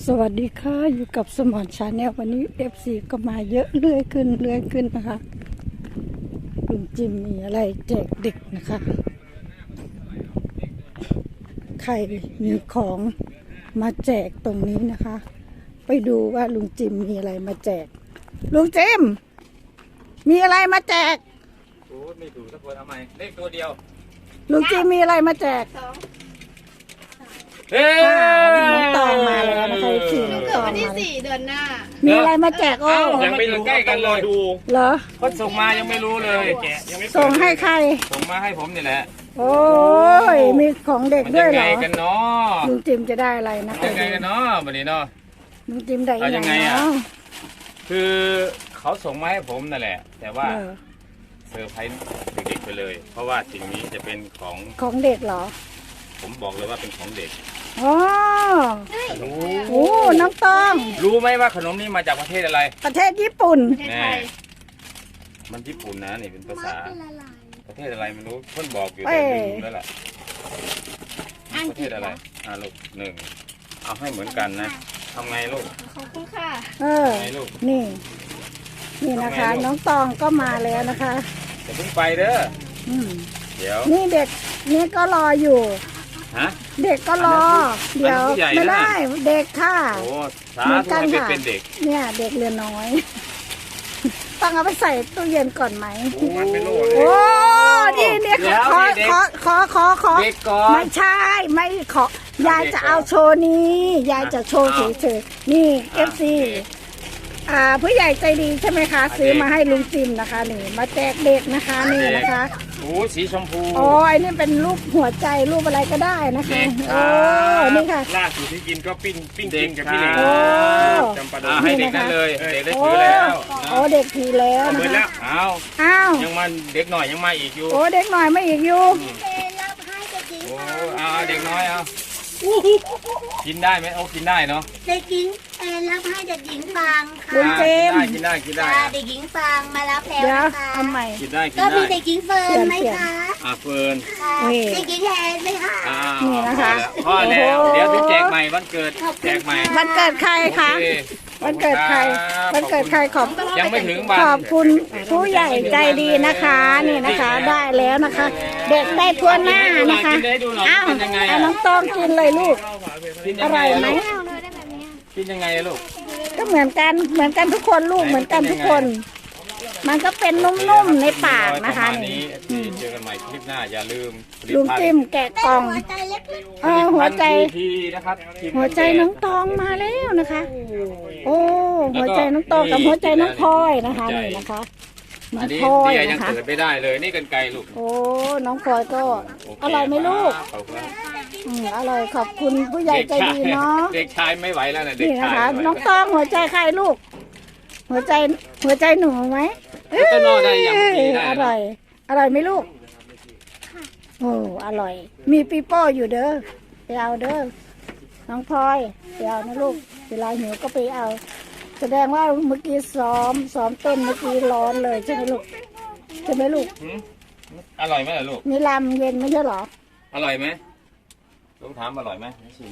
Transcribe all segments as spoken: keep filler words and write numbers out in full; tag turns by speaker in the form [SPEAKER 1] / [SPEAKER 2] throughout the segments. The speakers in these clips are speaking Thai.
[SPEAKER 1] สวัสดีค่ะอยู่กับสมอนชาแนลวันนี้ เอฟ ซี ก็มาเยอะเรื่อยขึ้นเรื่อยขึ้นนะคะลุงจิมมีอะไรแจกเด็กนะคะใครมีของมาแจกตรงนี้นะคะไปดูว่าลุงจิมมีอะไรมาแจกลุงจิมมีอะไรมาแจก
[SPEAKER 2] โอ้ไม่ถูกสักคนทำไมเลขตัวเดียว
[SPEAKER 1] ลุงจิมมีอะไรมาแจก
[SPEAKER 2] เฮ้ย
[SPEAKER 1] น้องตองมาแล้วนะคะสี่น้องตอง
[SPEAKER 3] วันที่สี่เดือนหน้า
[SPEAKER 1] มีอะไรมาแจกโอ้
[SPEAKER 2] ยังไม่รู้ใกล้กันเลยดู
[SPEAKER 1] เหรอ
[SPEAKER 2] เขาส่งมายังไม่รู้เลย
[SPEAKER 1] ส่งให้ใคร
[SPEAKER 2] ส่งมาให้ผมนี่แหละ
[SPEAKER 1] โอ้ยมีของเด็กด้วยเหรอ
[SPEAKER 2] ยังไงกันเนาะ
[SPEAKER 1] ลุงจิมจะได้อะไรนะ
[SPEAKER 2] ยังไงกันเนาะวันนี้เนาะ
[SPEAKER 1] ลุงจิมได้
[SPEAKER 2] ยังไงอ่ะคือเขาส่งมาให้ผมนั่นแหละแต่ว่าเซอร์ไพรส์เด็กๆไปเลยเพราะว่าสิ่งนี้จะเป็นของ
[SPEAKER 1] ของเด็กเหรอ
[SPEAKER 2] ผมบอกเลยว่าเป็นของเด็ก
[SPEAKER 1] อ๋อโอ้น้องตอง
[SPEAKER 2] รู้ไหมว่าขนมนี้มาจากประเทศอะไร
[SPEAKER 1] ประเทศญี่ปุ่น
[SPEAKER 2] แน่มันญี่ปุ่นนะนี่เป็นภาษาประเทศอะไรไม่รู้เพิ่นบอกอยู่แต่ลืมแล้วล่ะประเทศอะไรอ่าลูกหนึ่งเอาให้เหมือนกันนะทำไงลูก
[SPEAKER 3] ขอบคุณค่ะ
[SPEAKER 1] เออนี่นี่นะคะน้องตองก็มาแล้วนะคะ
[SPEAKER 2] จะเพิ่งไปเด้อเดี๋ยว
[SPEAKER 1] นี่เด็กนี่ก็รออยู่
[SPEAKER 2] ฮะ
[SPEAKER 1] เด็กก็รอเดี๋ยวไม่ได้เด็กค่ะ
[SPEAKER 2] โอ้สาธุให้เป็นเด็ก
[SPEAKER 1] เนี่ยเด็กเรือน้อยต้องเอาไปใส่ตู้เย็นก่อนไหม
[SPEAKER 2] โอ้มันเป็นโลเลย
[SPEAKER 1] โอ้นี่เนี่ยขอขอขอขอขอไม่ใช่ไม่ขอยายจะเอาโชว์นี้ยายจะโชว์เฉยๆนี่เอฟซีอ่าผู้ใหญ่ใจดีใช่ไหมคะซื้อมาให้ลุงจิมนะคะนี่มาแจกเด็กนะคะนี่นะคะ
[SPEAKER 2] โอ้สีชมพู
[SPEAKER 1] โอ้ยนี่เป็นรูปหัวใจรูปอะไรก็ได้นะคะโอ้นี่ค่ะ
[SPEAKER 2] ล่าสุดที่กินก็ปิ้งปิ้งกินกับพี่เล็กจำปาดงให้เด็กนั่นเลยเด็กได้ถือแล้ว
[SPEAKER 1] โอ้เด็กถือแล้วนะคะ
[SPEAKER 2] อ้าว
[SPEAKER 1] อ้าว
[SPEAKER 2] ยังมันเด็กหน่อยยังมาอีกอยู่
[SPEAKER 1] โอ้เด็กหน่อยไม่อีกอยู่
[SPEAKER 2] โอ้เอาเด็กน้อยเอากินได้ไหมโอ้กินได้เนาะ
[SPEAKER 3] เด็กหญิงแอนรับให้เด็กหญิงฟางค่ะ
[SPEAKER 1] ลุงเจม
[SPEAKER 2] กินได้กินได้
[SPEAKER 3] เด็กหญิงฟางมารับแล้วนะคะ
[SPEAKER 1] ทำไม
[SPEAKER 2] กินได้กิน
[SPEAKER 3] ได้ก็มี
[SPEAKER 2] เ
[SPEAKER 3] ด็กหญิงเฟิร์นไหมคะ
[SPEAKER 2] อ่าเฟิร์น
[SPEAKER 3] เด็กหญิงแอนไหมคะ
[SPEAKER 1] นี่นะคะ
[SPEAKER 2] พ่อแล้วเดี๋ยวถึงแจกใหม่วันเกิดแจกใหม่
[SPEAKER 1] วันเกิดใครคะวันเกิดใครวันเกิดใครขอบ
[SPEAKER 2] ยังไม่ถึงวัน
[SPEAKER 1] ขอบคุณผู้ใหญ่ใจดีนะคะนี่นะคะได้แล้วนะคะ เด็กได้ทั่วหน้านะคะอ้าวน้องตองกินเลยลูกอร่อยไหม
[SPEAKER 2] กินยังไงลูก
[SPEAKER 1] ก็เหมือนกันเหมือนกันทุกคนลูกเหมือนกันทุกคนมันก็เป็นนุ่มๆในปากนะคะ
[SPEAKER 2] นี่เจอกันใหม่คลิปหน้าอย่าลืม
[SPEAKER 1] ลุงจิ้มแกะกล่องเออหัวใจหัวใจน้องตองมาแล้วนะคะโอ้หัวใจน้องตองกับหัวใจน้องพลอยนะคะนี่นะคะน้องพลอยนะคะ
[SPEAKER 2] ยังเกิดไม่ได้เลยนี่กันไกลลูก
[SPEAKER 1] โอ้น้องพลอยก็อร่อยไหมลูกอืมอร่อยขอบคุณผู้ใหญ่ใจดีเนาะ
[SPEAKER 2] เด็กชายไม่ไหวแล้วนะเด็กชาย
[SPEAKER 1] น้องตองหัวใจใครลูกหัวใจหัวใจหนูไหม
[SPEAKER 2] ก็นอนได้ยังดีได้
[SPEAKER 1] อร่อยอร่อยไหมลูกโอ้อร่อยมีปีโป้อยู่เด้อไปเอาเด้อน้องพลอยไปเอานะลูกเวลาหิวก็ไปเอาแสดงว่าเมื่อกี้ซ้อมซ้อมเต้นเมื่อกี้ร้อนเลยใช่ไหมลูกใช่ไหมลูก
[SPEAKER 2] อร่อยไหมล่ะลูก
[SPEAKER 1] มีลำเย็นไม่ใช่หรอ
[SPEAKER 2] อร่อยไหมลูกถามอร่อยไหม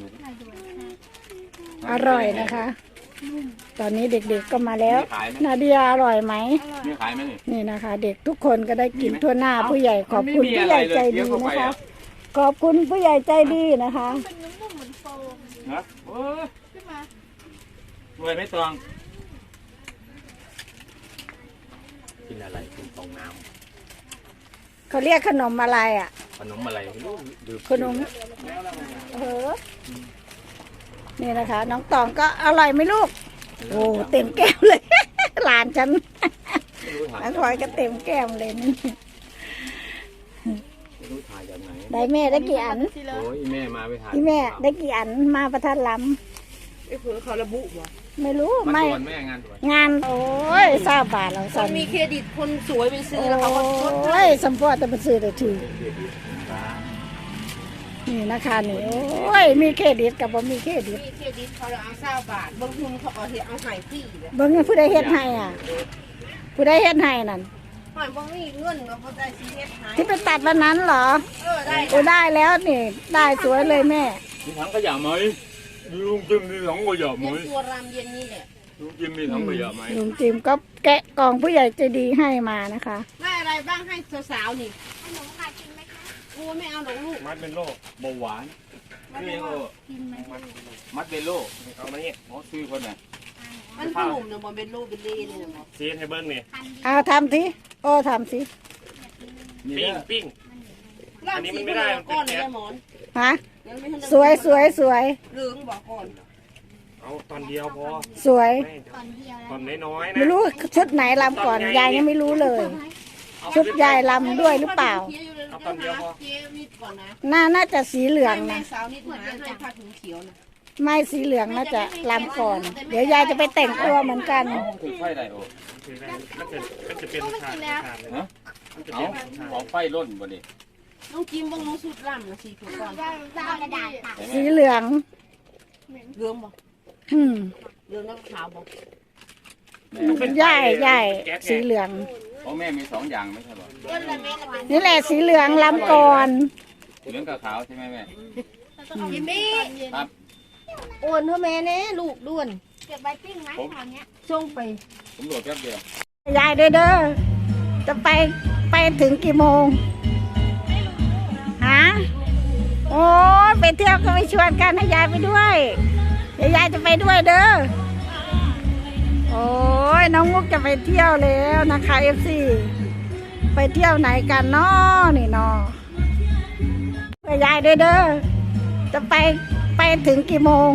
[SPEAKER 1] อร่อยนะคะตอนนี้เด็กๆก็มาแล้วนาเดียอร่อยไหม
[SPEAKER 2] มีขายไหมนี่
[SPEAKER 1] นี่นะคะเด็กทุกคนก็ได้กินทั่วหน้าผู้ใหญ่ขอบคุณผู้ใหญ่ใจดีนะคะขอบคุณผู้ใหญ่ใจดีนะคะ
[SPEAKER 2] นะโอ้รวยไม่ตองกินอะไรกินฟองน้
[SPEAKER 1] ำเขาเรียกขนมอะไรอ่ะ
[SPEAKER 2] ขนมอะไร
[SPEAKER 1] ขนมเออนี่นะคะน้องตองก็อร่อยไหมลูกโอ้เต็มแก้มเลยหลานฉันน้องพลอยก็เต็มแก้มเลยนี่ได้แม่ได้กี่อัน
[SPEAKER 2] โอ้ยแม่มาไม่ทัน
[SPEAKER 1] พี่แม่ได้กี่อันมาประทัดล้
[SPEAKER 3] ำไอ้เพื่อนเขาระบุวะ
[SPEAKER 1] ไม่รู้ไม่
[SPEAKER 2] แม่งาน
[SPEAKER 1] งานโอ้ยทราบบาทเรา
[SPEAKER 3] สั่งมีเครดิตคนสวยไปซื้อแล้วเขาก็ลด
[SPEAKER 1] ให้สัมปอแต่ไปซื้อได้ทีนี่นะคะนี่โอ้ยมีเครดิตกับบ่มีเครดิต
[SPEAKER 3] มีเครดิตเขาเอาเศร้าบาทบางคนเขาเอาเห็ดเอาไห้ฟรีเลย
[SPEAKER 1] บางคนผู้ใดเฮ็ดให้อ่ะผู้ใดเฮ็ดให้นั่น
[SPEAKER 3] หอยบางมีเงินเราเขาได้ซีเฮ็ดให้
[SPEAKER 1] ที่ไปตัดวันนั้นเหรอ
[SPEAKER 3] เออได้
[SPEAKER 1] โอ้ได้แล้วนี่ได้สวยเลยแม่
[SPEAKER 2] มีถังขยะไหมลุงจิมมีถังขยะไหม
[SPEAKER 3] เย็นตัวรำเย็นนี่แหละ
[SPEAKER 2] ลุงจิมมีถังขยะไหม
[SPEAKER 1] ลุงจิมก็แกะกล่องผู้ใหญ่ใจดีให้มานะคะ
[SPEAKER 3] ได้อะไรบ้างให้สาวๆนี่
[SPEAKER 4] ขนมค่ะกินไหมคะ
[SPEAKER 3] โอ้ไม่เอาหรอกลูก
[SPEAKER 2] มัดเป็นโรคเบาหวาน
[SPEAKER 3] มัน
[SPEAKER 2] นี่
[SPEAKER 3] ว่า
[SPEAKER 2] โอ้
[SPEAKER 4] กินไหมคะ
[SPEAKER 2] มัดเป็นโรคเอามาเนี่ยหมอซื้อคนน่ะ
[SPEAKER 3] มันขนมเนี่ยบอเป็นลูกเป็นเล่เนี่ยบอก
[SPEAKER 5] ซีให้เบิ้งนี่
[SPEAKER 4] พันดี
[SPEAKER 1] เอาทำสิโอ้ทำสิ
[SPEAKER 2] นี่
[SPEAKER 5] ปิ้ง
[SPEAKER 2] นะ
[SPEAKER 5] ปิ้ง อันนี้
[SPEAKER 3] ร่ำ
[SPEAKER 5] มั
[SPEAKER 3] สี
[SPEAKER 5] นไม่
[SPEAKER 3] ไม่
[SPEAKER 5] ได้
[SPEAKER 3] ได้
[SPEAKER 5] มันเป็น
[SPEAKER 3] ก้อนเลย
[SPEAKER 5] แก๊ส
[SPEAKER 3] นะหมอน
[SPEAKER 1] ฮะ
[SPEAKER 3] ยังไม่ทันได้
[SPEAKER 1] สวยสวยสวย
[SPEAKER 3] เหลืองบอกก่อน
[SPEAKER 5] เอาตอนเดียวพอ
[SPEAKER 1] สวย
[SPEAKER 5] ไม่
[SPEAKER 4] ตอนเดียวแล้ว
[SPEAKER 5] ตอนน้อยๆนะ
[SPEAKER 1] ไม่รู้ชุดไหนลำก่อนยายยังไม่รู้เลย ชุดยายลำด้วยหรือเปล่า
[SPEAKER 5] เอาตอนเดียวพอ
[SPEAKER 3] เจ๊นิดก่อนนะ
[SPEAKER 1] น่าน่าจะสีเหลือง
[SPEAKER 3] ให้แม่
[SPEAKER 1] นะ
[SPEAKER 3] สาวนิดหาให้ผ้าถุงเขียวนะ
[SPEAKER 1] ไม่สีเหลืองน่าจะลำก่อน เดี๋ยวยายจะไปแต่งตัวเหมือนกัน
[SPEAKER 2] เอาถือไฟได้โอ้
[SPEAKER 5] คือได้มันจะมันจะเป็นชาติชาติเลย
[SPEAKER 2] ฮะ
[SPEAKER 5] มันจะ
[SPEAKER 2] เอา
[SPEAKER 5] เป็นชาติ
[SPEAKER 2] ของไฟร่นบ่ดิ
[SPEAKER 3] น้องจิมบ้างน้องสุดร่ำนะสีถูกก่อน
[SPEAKER 4] จะเอากระดาษตัด
[SPEAKER 2] เห็นไหม
[SPEAKER 1] สีเหลือง
[SPEAKER 3] เหลืองบอก
[SPEAKER 1] อืม
[SPEAKER 3] เหลืองแล้วขาวบอก
[SPEAKER 2] แม่
[SPEAKER 1] ใหญ่ใหญ่สีเหลือง
[SPEAKER 2] ของแม่มีสองอย่างไม่ใช่หรอ
[SPEAKER 1] นี่แหละสีเหลืองลำก่อน
[SPEAKER 2] เหลืองกับขาวใช่ไหมแม่
[SPEAKER 3] จิมมี่
[SPEAKER 2] ครับ
[SPEAKER 3] โอนเท่าแม่เน่ลูกด้วน
[SPEAKER 4] เก็บไว้ปิ้งไหมคราวเนี้ย
[SPEAKER 3] ส่งไป
[SPEAKER 2] ผมโหลดแป๊บเดียว
[SPEAKER 1] ยายเด้อเด้อจะไปไปถึงกี่โมงฮะโอ้ยไปเที่ยวก็ไม่ชวนกันให้ยายไปด้วยเดี๋ยวยายจะไปด้วยเด้อโอ้ยน้องมุกจะไปเที่ยวแล้วนะคะเอฟซีไปเที่ยวไหนกันเนาะนี่เนาะไปยายเด้อเด้อจะไปไปถึงกี่โมง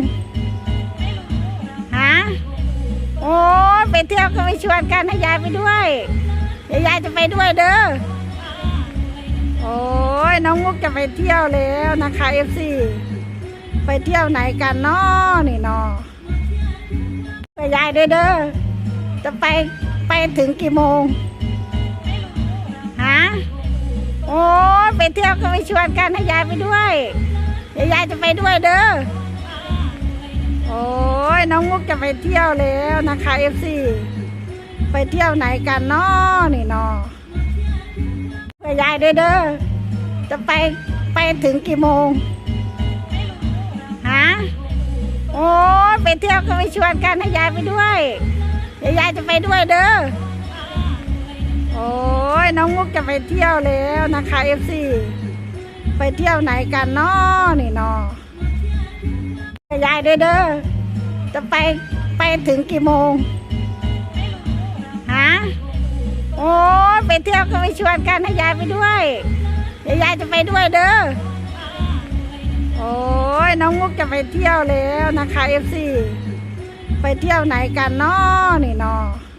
[SPEAKER 1] ฮะโอ้ยไปเที่ยวก็ไม่ชวนกันให้ยายไปด้วยเดี๋ยวยายจะไปด้วยเด้อโอ้ยน้องมุกจะไปเที่ยวแล้วนะคะเอฟซีไปเที่ยวไหนกันเนาะนี่เนาะไปยายเด้อเด้อจะไปไปถึงกี่โมงฮะโอ้ยไปเที่ยวก็ไม่ชวนกันให้ยายไปด้วยเดี๋ยวยายจะไปด้วยเด้อโอ้ยน้องมุกจะไปเที่ยวแล้วนะคะเอฟซีไปเที่ยวไหนกันเนาะนี่เนาะไปยายเด้อเด้อจะไปไปถึงกี่โมงฮะโอ้ยไปเที่ยวก็ไม่ชวนกันให้ยายไปด้วยเดี๋ยวยายจะไปด้วยเด้อโอ้ยน้องมุกจะไปเที่ยวแล้วนะคะเอฟซีไปเที่ยวไหนกันเนาะนี่เนาะไปยายเด้อเด้อจะไปไปถึงกี่โมงฮะโอ้ยไปเที่ยวก็ไม่ชวนกันให้ยายไปด้วยเดี๋ยวยายจะไปด้วยเด้อโอ้ยน้องมุกจะไปเที่ยวแล้วนะคะเอฟซีไปเที่ยวไหนกันเนาะนี่เนาะ